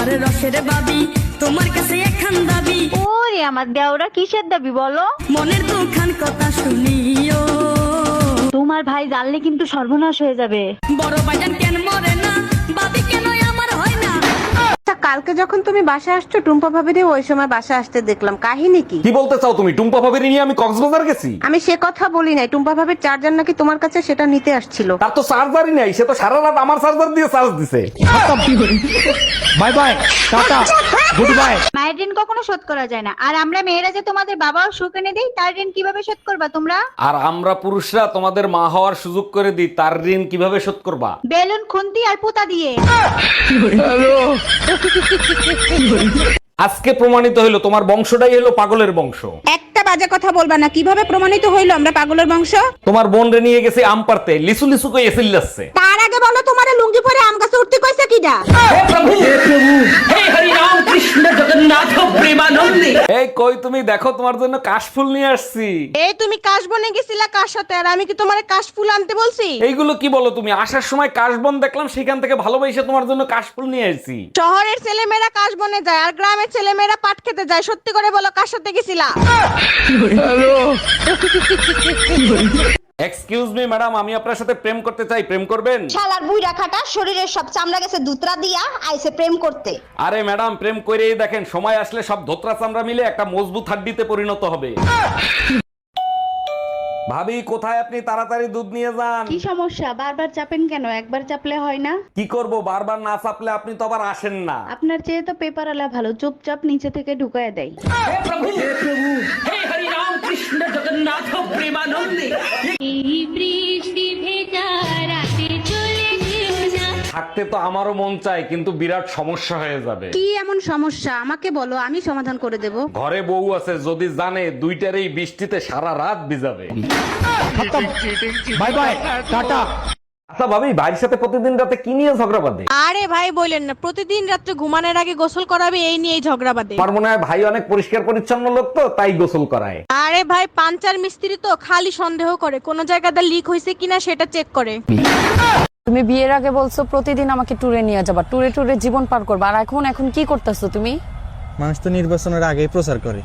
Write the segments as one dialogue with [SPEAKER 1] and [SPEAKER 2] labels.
[SPEAKER 1] আমার রসের বাবি তোমার কাছে এখন দাবি।
[SPEAKER 2] ওরে আমার দেওরা কিসের দাবি বলো?
[SPEAKER 1] মনের দুখান কথা শুনিও,
[SPEAKER 2] তোমার ভাই জানলে কিন্তু সর্বনাশ হয়ে যাবে।
[SPEAKER 1] বড় ভাইজান কেন মরে না, বাবি কেন আমার হয় না।
[SPEAKER 3] কালকে যখন তুমি বাসা আসছো টুম্পা ভাবিরে ওই সময় বাসা আসতে দেখলাম, কাহিনী কি?
[SPEAKER 4] কি বলতে চাও তুমি? টুম্পা ভাবির নিয়ে আমি কক্সবাজার গেছি?
[SPEAKER 3] আমি সে কথা বলি নাই, টুম্পা ভাবির চার্জার নাকি তোমার কাছে, সেটা নিতে আসছিল।
[SPEAKER 4] তার তো চার্জারই নাই, সে তো সারা রাত আমার চার্জার দিয়ে চার্জ দিছে। Bye bye, tata, good bye.
[SPEAKER 2] মায়ের ঋণ কখনো শোধ করা যায় না, আর আমরা মেয়েরা যে তোমাদের বাবাও সুখ এনে দেই, তার ঋণ কিভাবে শোধ করবা তোমরা?
[SPEAKER 4] আর আমরা পুরুষরা তোমাদের মা হওয়ার সুযোগ করে দিই, তার ঋণ কিভাবে শোধ করবা?
[SPEAKER 2] বেলুন, খুন্তি আর পুতা দিয়ে।
[SPEAKER 4] আজকে প্রমাণিত হইলো তোমার বংশটাই হলো পাগলের বংশ।
[SPEAKER 3] একটা বাজে কথা বলবা না। কিভাবে প্রমাণিত হইলো আমরা পাগলের বংশ?
[SPEAKER 4] তোমার বোন রে নিয়ে গেছে আম পারতে, লিসু লিসু কই এসিল যাচ্ছে।
[SPEAKER 3] তার আগে বলো তোমারে লুঙ্গি পরে আম গাছে উঠতে কইছে কিডা?
[SPEAKER 4] এই কই তুমি, দেখো তোমার জন্য কাশফুল নিয়ে আসছি।
[SPEAKER 3] এই তুমি কাশবনে গেছিলা কার সাথে, আর আমি কি তোমারে কাশফুল আনতে বলছি?
[SPEAKER 4] এইগুলো কি বলো তুমি? আসার সময় কাশবন দেখলাম, সেখান থেকে ভালোবাসে তোমার জন্য কাশফুল নিয়ে আসছি।
[SPEAKER 3] শহরের ছেলেমেয়েরা কাশবনে যায় আর গ্রামের ছেলেমেয়েরা পাট খেতে যায়। সত্যি করে বলো কার সাথে গেছিলা?
[SPEAKER 4] এক্সকিউজ মি ম্যাডাম, আমি আপনার সাথে প্রেম করতে চাই, প্রেম করবেন?
[SPEAKER 5] শালার বুইড়া খাটা, শরীরের সব চামড়া গেছে দুতরা দিয়া, আইছে প্রেম করতে।
[SPEAKER 4] আরে ম্যাডাম, প্রেম করেই দেখেন, সময় আসলে সব ধোত্রা চামড়া মিলে একটা মজবুত হাড্ডিতে পরিণত হবে। ভাবি কোথায় আপনি? তাড়াতাড়ি দুধ নিয়ে যান।
[SPEAKER 2] কি সমস্যা? বারবার চাপেন কেন? একবার চাপলে হয় না?
[SPEAKER 4] কি করব, বারবার না চাপলে আপনি তো আবার আসেন না।
[SPEAKER 2] আপনার চেয়ে তো পেপার আলা ভালো, চুপচাপ নিচে থেকে ঢুকায় দেয়।
[SPEAKER 4] থাকতে তো আমারও মন চায়, কিন্তু বিরাট সমস্যা হয়ে যাবে।
[SPEAKER 3] কি এমন সমস্যা আমাকে বলো, আমি সমাধান করে দেব।
[SPEAKER 4] ঘরে বউ আছে, যদি জানে দুইটারই বৃষ্টিতে সারা রাত ভিজাবে। By bye, tata. আচ্ছা ভাবি, ভাইয়ের সাথে প্রতিদিন রাতে কি নিয়ে ঝগড়া বাঁধে?
[SPEAKER 3] আরে ভাই বলেন না, প্রতিদিন রাত্রে ঘুমানোর আগে গোসল করাবে, এই নিয়েই ঝগড়া বাঁধে।
[SPEAKER 4] আমার মনে হয় ভাই অনেক পরিষ্কার পরিচ্ছন্ন লোক, তো তাই গোসল করায়।
[SPEAKER 3] আরে ভাই পাঞ্চার মিস্ত্রি তো খালি সন্দেহ করে, কোন জায়গাতে লিক হয়েছে কিনা সেটা চেক করে।
[SPEAKER 6] তুমি বিয়ের আগে বলছো প্রতিদিন আমাকে ট্যুরে নিয়ে যাবা, ট্যুরে ট্যুরে জীবন পার করবা, আর এখন কি করতেছো তুমি?
[SPEAKER 7] মানুষ তো নির্বাচনের আগেই প্রচার করে।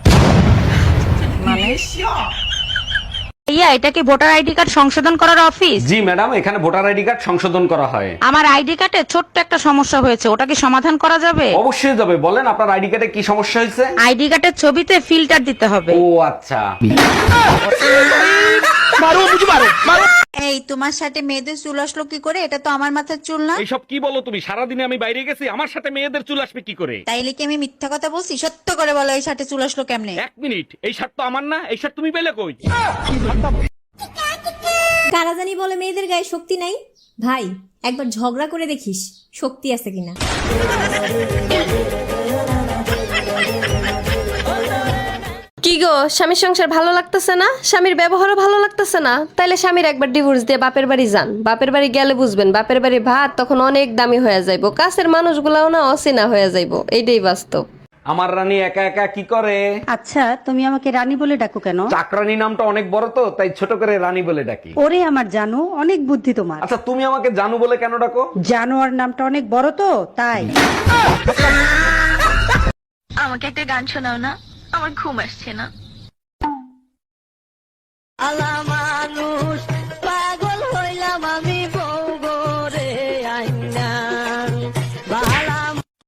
[SPEAKER 2] ইয়া, এটা কি ভোটার আইডি কার্ড সংশোধন করার অফিস?
[SPEAKER 4] জি ম্যাডাম, এখানে ভোটার আইডি কার্ড সংশোধন করা হয়।
[SPEAKER 2] আমার আইডি কার্ডে ছোট্ট একটা সমস্যা হয়েছে, ওটা কি সমাধান করা যাবে?
[SPEAKER 4] অবশ্যই যাবে, বলেন আপনার আইডি কার্ডে কি সমস্যা হয়েছে?
[SPEAKER 2] আইডি কার্ডের ছবিতে ফিল্টার দিতে হবে।
[SPEAKER 4] ও আচ্ছা।
[SPEAKER 5] এই তোমার সাথে মেয়েদের চুল আসলো কি করে? এটা তো আমার মাথার চুল না।
[SPEAKER 4] এইসব কি বলো তুমি? সারাদিনে আমি বাইরে গেছি, আমার সাথে মেয়েদের চুল আসবে কি করে?
[SPEAKER 5] তাইলে কি আমি মিথ্যা কথা বলছি? সত্য করে বলো, এই সাথে চুল আসলো কেমনে?
[SPEAKER 4] এক মিনিট, এই শার্ট তো আমার না, এই শার্ট তুমি পেলে কই?
[SPEAKER 8] কারা জানি বলে মেয়েদের গায়ে শক্তি নাই। ভাই একবার ঝগড়া করে দেখিস শক্তি আছে কিনা।
[SPEAKER 9] কি গো, স্বামীর সংসার ভালো লাগতেছে না? স্বামীর ব্যবহারও ভালো লাগতেছে না? তাইলে স্বামীর একবার ডিভোর্স দিয়ে বাপের বাড়ি যান। বাপের বাড়ি গেলে বুঝবেন, বাপের বাড়ি ভাত তখন অনেক দামি হয়ে যাইবো, কাছের মানুষগুলাও না অচেনা হয়ে যাইবো। এইটাই বাস্তব।
[SPEAKER 4] আমার রানী একা একা কি করে?
[SPEAKER 10] আচ্ছা তুমি আমাকে রানী বলে ডাকো কেন?
[SPEAKER 4] চাকরানী নামটা অনেক বড় তো, তাই ছোট করে রানী বলে ডাকি।
[SPEAKER 10] ওরে আমার জানো, অনেক বুদ্ধি তোমার।
[SPEAKER 4] আচ্ছা তুমি আমাকে জানু বলে কেন ডাকো?
[SPEAKER 10] জানোয়ার নামটা অনেক বড় তো তাই।
[SPEAKER 2] আমাকে একটা গান শোনাও না, আমার ঘুম আসছে না।